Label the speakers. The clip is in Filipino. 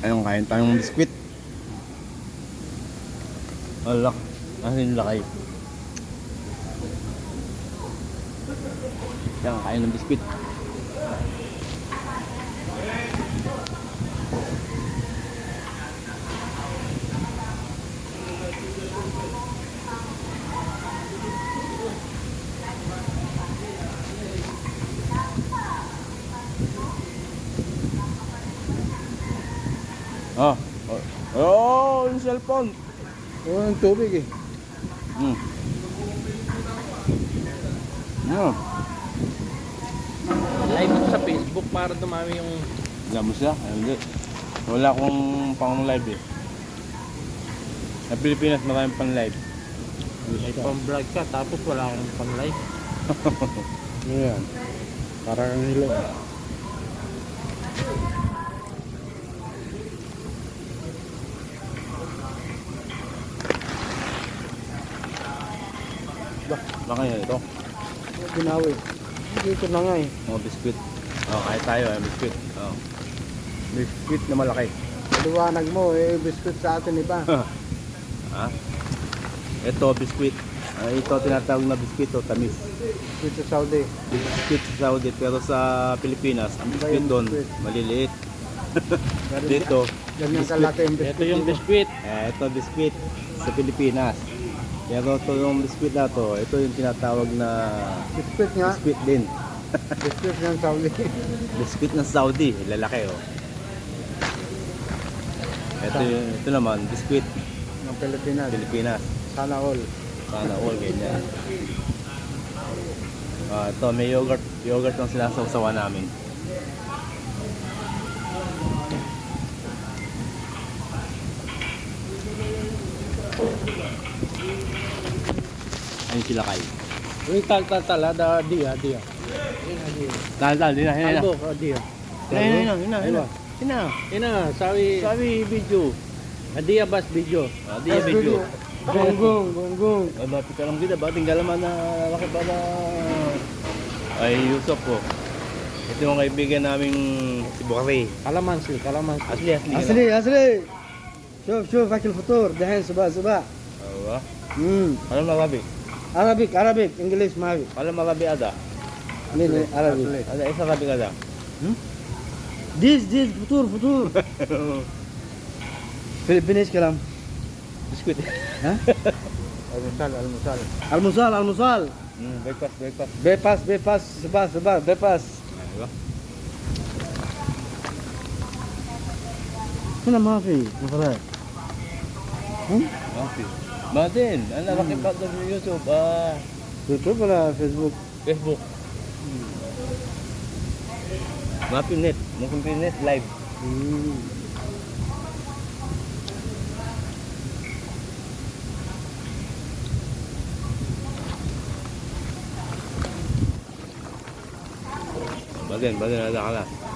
Speaker 1: Ayun, kain tayong biskwit. Alak. Asin lakay. Yan, kain ng biskwit. Oh, oh, yung cellphone.
Speaker 2: Oh, yung tubig eh.
Speaker 1: Yeah.
Speaker 3: Live ko sa Facebook para dumami yung...
Speaker 1: Alam mo siya? Hindi. Wala akong pang live eh. Sa Pilipinas maraming pang live.
Speaker 3: May pang-vlog ka tapos wala kang pang-live.
Speaker 2: Ano yan? Parang ang hilo.
Speaker 1: Baka yan ito.
Speaker 2: Binawi. Dito na nga eh.
Speaker 1: Mga biskwit. Oh, kahit tayo ay biskwit. Oh. Biskwit na malaki.
Speaker 2: Liwanag mo eh, biscuit sa atin iba.
Speaker 1: Ha? Ito biskwit. Ito tinatawag na biskwit o tamis.
Speaker 2: Biscuit sa Saudi.
Speaker 1: Biskwit sa Saudi pero sa Pilipinas, ang biskwit doon maliliit. Dito,
Speaker 2: Ganyan
Speaker 1: biscuit.
Speaker 2: kalaki yung biscuit.
Speaker 3: Ito yung biskwit.
Speaker 1: Ito biskwit sa Pilipinas. Pero ito yung biskwit na to, ito yung tinatawag na
Speaker 2: Biscuit nga.
Speaker 1: biskwit din.
Speaker 2: Biscuit ng Saudi.
Speaker 1: Biskwit ng Saudi, lalaki oh. Ito naman, biskwit
Speaker 2: Ng Pilipinas.
Speaker 1: Pilipinas.
Speaker 2: Sana all.
Speaker 1: Sana all ganyan. Ito may yogurt ang sinasawsawan namin. Ayun sila kay.
Speaker 3: Yung tal-tal-tal, ada dia.
Speaker 1: Dal, di na.
Speaker 3: Albo, dia. Ina, sabi
Speaker 1: Video.
Speaker 3: Adia bas video.
Speaker 1: Di video.
Speaker 2: Gonggong.
Speaker 1: Ay, mapit ka lang kita ba? Tinggalan man na laki ba na... Ay, Yusuf po. Ito yung kaibigan naming si Bukari.
Speaker 3: Kalamansi.
Speaker 2: أصلي شوف أكل فطور دحين صباح
Speaker 1: Awa. Alam Arabi.
Speaker 2: عربي إنجليش ما في
Speaker 1: Alam Arabi ada.
Speaker 2: عربي
Speaker 1: Ada isa Arabi ada.
Speaker 2: ديز فطور فلبين ايش كلام
Speaker 1: Biskuit.
Speaker 2: ها
Speaker 3: Almusal.
Speaker 2: المصال
Speaker 1: Breakfast.
Speaker 2: بيباس صباح بيباس
Speaker 1: Diba?
Speaker 2: هنا ما في مفرات
Speaker 1: Okay. Badin, ang lalaki pa doon sa YouTube.
Speaker 2: يوتيوب ولا فيسبوك
Speaker 1: Facebook. Mapinet. Mapinet live. Badin, ada ka na.